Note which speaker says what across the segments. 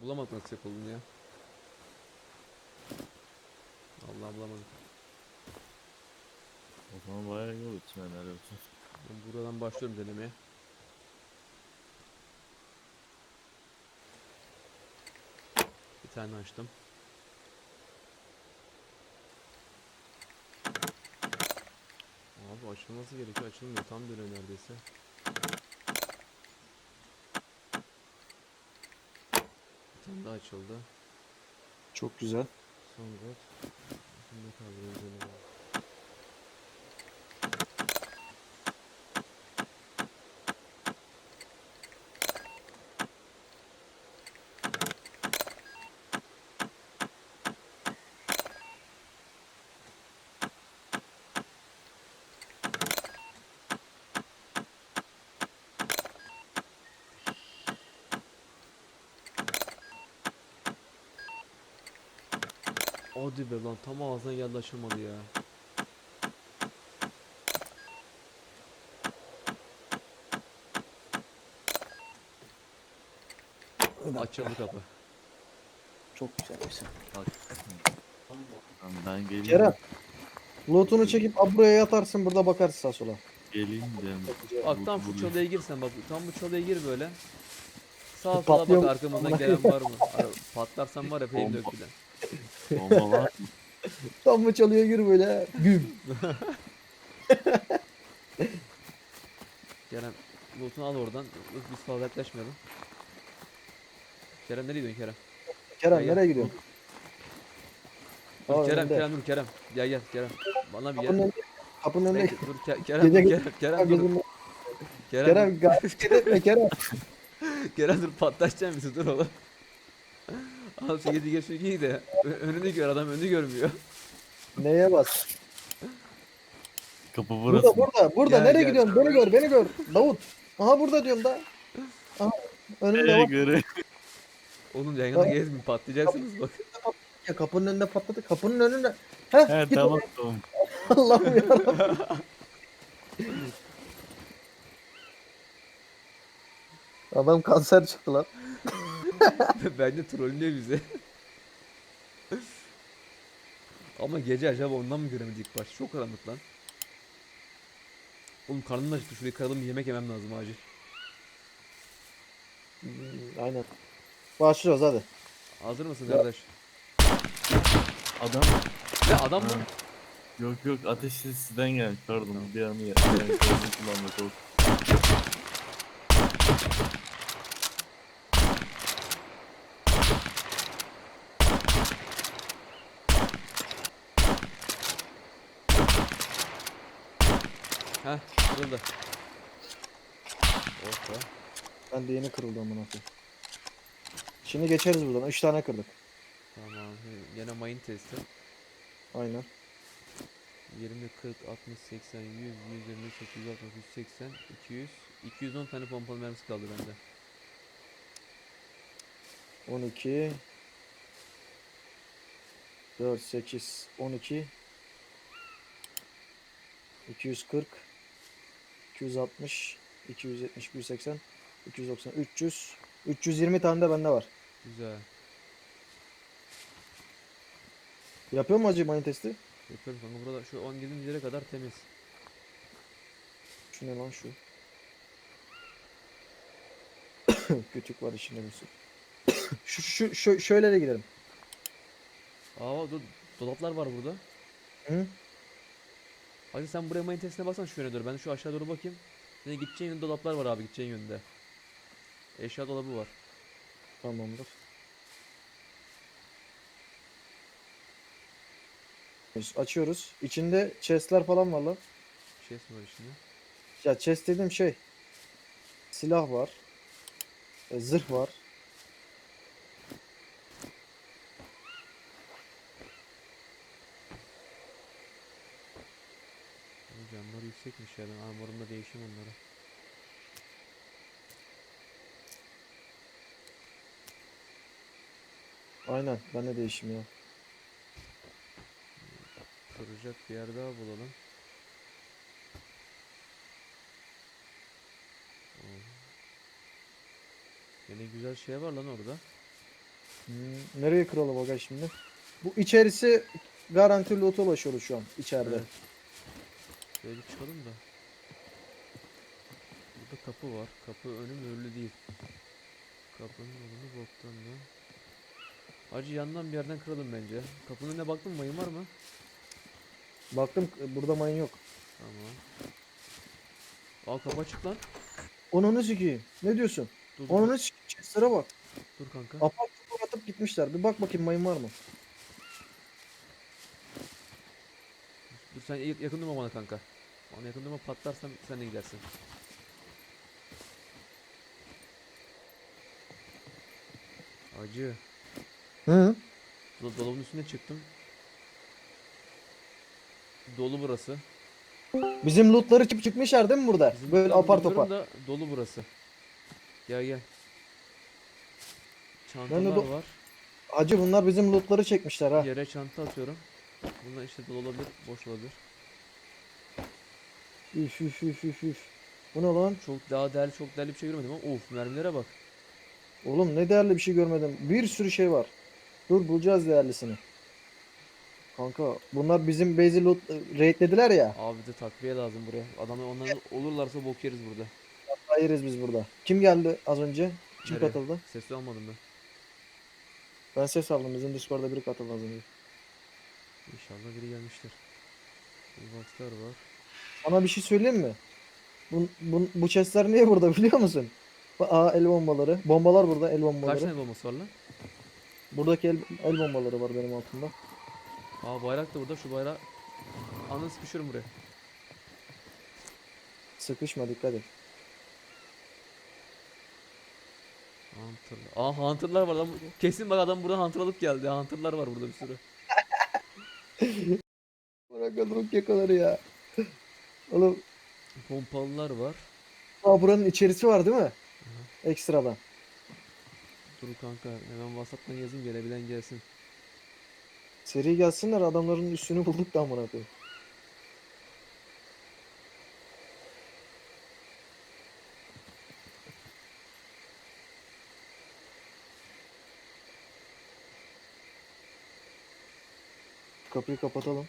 Speaker 1: Bulamadık nasıl yapıldığını ya. Allah bulamadık.
Speaker 2: O zaman bayağı yol için helal olsun.
Speaker 1: Ben buradan başlıyorum denemeye. Bir tane açtım. Abi açılması gerekiyor. Açılmıyor. Tam dönüyor neredeyse. Bir tane daha açıldı.
Speaker 3: Çok güzel.
Speaker 1: Son god. Şimdi kaldırıyoruz onu. Hadi be lan, tam ağzına geldi, açılmadı ya. Açıldı kapı.
Speaker 3: Çok güzel bir şey.
Speaker 2: Bak. Tamam, ben geleyim.
Speaker 3: Kerem. Loot'unu çekip buraya yatarsın, burada bakarsın sağa sola.
Speaker 2: Geleyim de.
Speaker 1: Bak tam şu çalıya girsen, bak tam bu çalıya gir böyle. Sağa sola
Speaker 3: Patlıyor
Speaker 1: bak,
Speaker 3: mu?
Speaker 1: arkamızdan gelen var mı? Patlarsan var ya, peyim
Speaker 2: Bomba.
Speaker 1: dökülen.
Speaker 2: Bomba var mı?
Speaker 3: Tam mı çalıyor gir böyle. Güm.
Speaker 1: Kerem lootunu al oradan. Biz fazla yaklaşmayalım. Kerem nereye gidiyorsun Kerem?
Speaker 3: Kerem
Speaker 1: Gel, gel.
Speaker 3: nereye gidiyorsun?
Speaker 1: Dur
Speaker 3: Aa,
Speaker 1: Kerem,
Speaker 3: önünde.
Speaker 1: Kerem dur Kerem. Gel gel Kerem. Bana bir
Speaker 3: Kapının
Speaker 1: gel.
Speaker 3: önünde. Kapının önünde.
Speaker 1: Bekle, dur Kerem,
Speaker 3: Gece
Speaker 1: dur
Speaker 3: git.
Speaker 1: Kerem dur.
Speaker 3: Gözünde.
Speaker 1: Kerem dur.
Speaker 3: Kerem gayret etme Kerem.
Speaker 1: Kerem dur, patlatacağım bizi, dur oğlum. Al şu 7 geç, şu giy de. Önünü gör, adam önünü görmüyor.
Speaker 3: Neye bas?
Speaker 2: Kapı burası.
Speaker 3: Burada.
Speaker 1: Gel,
Speaker 3: Nereye
Speaker 1: gel.
Speaker 3: gidiyorsun? Beni gör. Davut. Aha burada diyorum da. Aha. Önünde
Speaker 2: Nereye
Speaker 3: bak.
Speaker 2: göre?
Speaker 1: Oğlum yayında gezmeyin, patlayacaksınız bak.
Speaker 3: Ya kapının önünde patladı. Kapının önünde. Heh
Speaker 2: He
Speaker 3: git
Speaker 2: tamam
Speaker 3: oraya.
Speaker 2: tamam.
Speaker 3: Allah'ım yarabbim. Adam kanser çıktı lan.
Speaker 1: Bence trollüyor bizi. Ama gece acaba ondan mı göremedik ilk başta? Çok karanlık lan. Oğlum karnım da acıktı. Şurayı kıralım, bir yemek yemem lazım acil.
Speaker 3: Aynen. Başlıyoruz hadi.
Speaker 1: Hazır mısın
Speaker 3: Ya.
Speaker 1: kardeş?
Speaker 2: Adam.
Speaker 1: Ne adam mı?
Speaker 2: Ha. Yok ateş sizden gelmiş pardon
Speaker 1: Tamam.
Speaker 2: bir anı ya. Yani gözünü kullanmak olsun.
Speaker 1: Heh, kırıldı. Oh be.
Speaker 3: Ben de yeni kırıldı amına koyayım. Şimdi geçeriz buradan. 3 tane kırdık.
Speaker 1: Tamam. Yine mayın testi.
Speaker 3: Aynen.
Speaker 1: 20, 40, 60, 80, 100, 120, 860, 180, 200. 210 tane pompalı mermisi kaldı bende.
Speaker 3: 12 4 8 12 240 260 270 280 290 300 320 tane de bende var.
Speaker 1: Güzel.
Speaker 3: Yapıyor mu acı mayın testi?
Speaker 1: Yapıyorum kanka, burada şu 10 girdiğimiz yere kadar temiz.
Speaker 3: Şu ne lan şu? Küçük var içinde bir sürü. Şöyle de gidelim.
Speaker 1: Aa dur, dolaplar var burada.
Speaker 3: Hı?
Speaker 1: Hadi sen buraya mayın testine baksana, şu yöne doğru. Ben şu aşağı doğru bakayım. Senin gideceğin yönde dolaplar var abi, gideceğin yönde. Eşya dolabı var.
Speaker 3: Tamamdır. Açıyoruz. İçinde chestler falan var lan.
Speaker 1: Bir şey var içinde.
Speaker 3: Ya chest dediğim şey. Silah var. Zırh var.
Speaker 1: Bu camları yüksekmiş ya, ben armorumda değişeyim onları.
Speaker 3: Aynen. Ben de değişim ya.
Speaker 1: Kıracak bir yer daha bulalım. Oo. Yine güzel şey var lan orada.
Speaker 3: Nereye kıralım aga şimdi? Bu içerisi garanti loot'a ulaşıyoruz şu an içeride.
Speaker 1: Evet. Şöyle bir çıkalım da. Burada kapı var. Kapı önü mühürlü değil. Kapının önünü boktan lan. Hacı yandan bir yerden kıralım bence. Kapının önüne baktın mı? Mayın var mı?
Speaker 3: Baktım burada mayın yok.
Speaker 1: Tamam. Aa kapı açık lan.
Speaker 3: Onunu sikeyim. Ne diyorsun?
Speaker 1: Dur dur,
Speaker 3: Onunu sikeyim. Chest'lere bak.
Speaker 1: dur kanka.
Speaker 3: Apar topar atıp gitmişler. Bir bak bakayım mayın var mı?
Speaker 1: Dur sen yakın durma bana kanka. Bana yakın durma, patlarsam sen de gidersin. Acı.
Speaker 3: Hı.
Speaker 1: Dolabın üstüne çıktım. Dolu burası.
Speaker 3: Bizim lootları çıkmışlar değil mi burada?
Speaker 1: Bizim
Speaker 3: Böyle
Speaker 1: lootları
Speaker 3: apar
Speaker 1: bilmiyorum
Speaker 3: topar.
Speaker 1: da dolu burası. Gel gel.
Speaker 3: Ben de
Speaker 1: Çantalar var.
Speaker 3: Hacı bunlar bizim lootları çekmişler ha.
Speaker 1: Yere çanta atıyorum. Bunlar işte dolu olabilir, boş olabilir.
Speaker 3: Üf üf üf üf üf. Bu ne lan?
Speaker 1: Çok daha değerli, çok değerli bir şey görmedim ama of, mermilere bak.
Speaker 3: Oğlum ne değerli bir şey görmedim. Bir sürü şey var. Dur bulacağız değerlisini. Kanka bunlar bizim base'i loot raidlediler ya.
Speaker 1: Abi de takviye lazım buraya. Adamlar onların olurlarsa bok yeriz burada.
Speaker 3: Hayırız biz burada. Kim geldi az önce? Kim
Speaker 1: Nereye?
Speaker 3: katıldı?
Speaker 1: Sesli almadım ben.
Speaker 3: Ben ses aldım. Bizim Discord'da biri katıldı az önce.
Speaker 1: İnşallah biri gelmiştir. Boxlar var.
Speaker 3: Sana bir şey söyleyeyim mi? Bu chestler niye burada biliyor musun? Aa el bombaları. Bombalar burada el
Speaker 1: Kaç
Speaker 3: bombaları.
Speaker 1: tane bombası var lan?
Speaker 3: Buradaki el bombaları var benim altımda.
Speaker 1: Aa bayrak da burada, şu bayrağı. Ananı sıkışıyorum buraya.
Speaker 3: Sıkışma dikkat et.
Speaker 1: Hunter. Aa Hunter'lar var lan. Kesin bak adam burada Hunter alıp geldi. Hunter'lar var burada bir sürü.
Speaker 3: Bırak adamın kekoları ya. Oğlum
Speaker 1: Pompalılar var.
Speaker 3: buranın içerisi var değil mi? Ekstradan.
Speaker 1: Dur kanka hemen WhatsApp'tan yazayım, gelebilen gelsin.
Speaker 3: Seri gelsinler adamların üstünü bulduk da amına koyayım. Kapıyı kapatalım.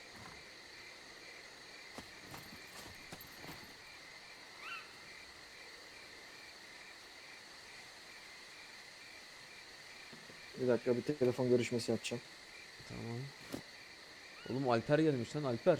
Speaker 3: Bir dakika bir telefon görüşmesi yapacağım.
Speaker 1: Tamam. Oğlum Alper gelmiş lan, Alper.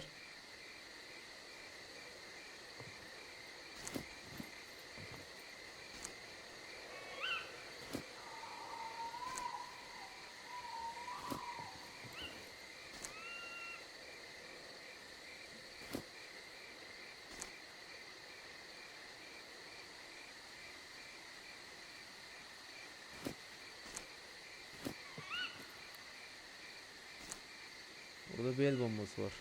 Speaker 1: Burada bir el bombası var.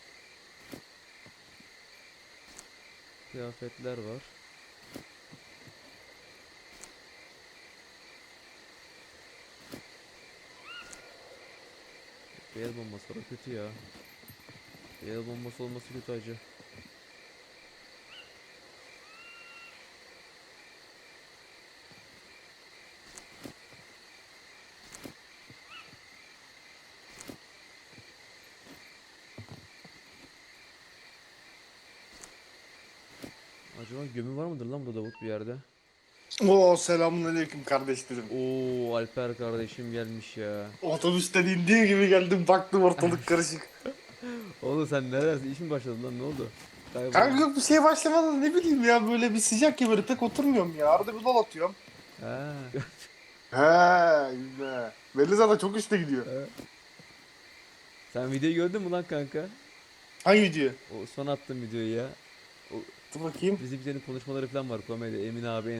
Speaker 1: Kıyafetler var. Bir el bombası var, o kötü ya. Bir el bombası olması kötü acı. Acaba gömü var mıdır lan burada Davut bir yerde?
Speaker 4: Oo selamünaleyküm kardeşlerim.
Speaker 1: Oo Alper kardeşim gelmiş ya.
Speaker 4: Otobüsten indiği gibi geldim baktım ortalık karışık.
Speaker 1: Oğlum sen neredesin? İş mi başladı lan, ne oldu? Kayboldun.
Speaker 4: Kanka yok bir şey başlamadan ne bileyim ya böyle bir sıcak ya böyle pek oturmuyorum ya. Arada bir dal atıyorum.
Speaker 1: Ha.
Speaker 4: He yine. Belli zaten çok üstte gidiyor.
Speaker 1: Sen videoyu gördün mü lan kanka?
Speaker 4: Hangi video?
Speaker 1: O son attığım videoyu ya. O
Speaker 4: Dur bakayım.
Speaker 1: bizimkilerin konuşmaları falan var, komedi. Emin abi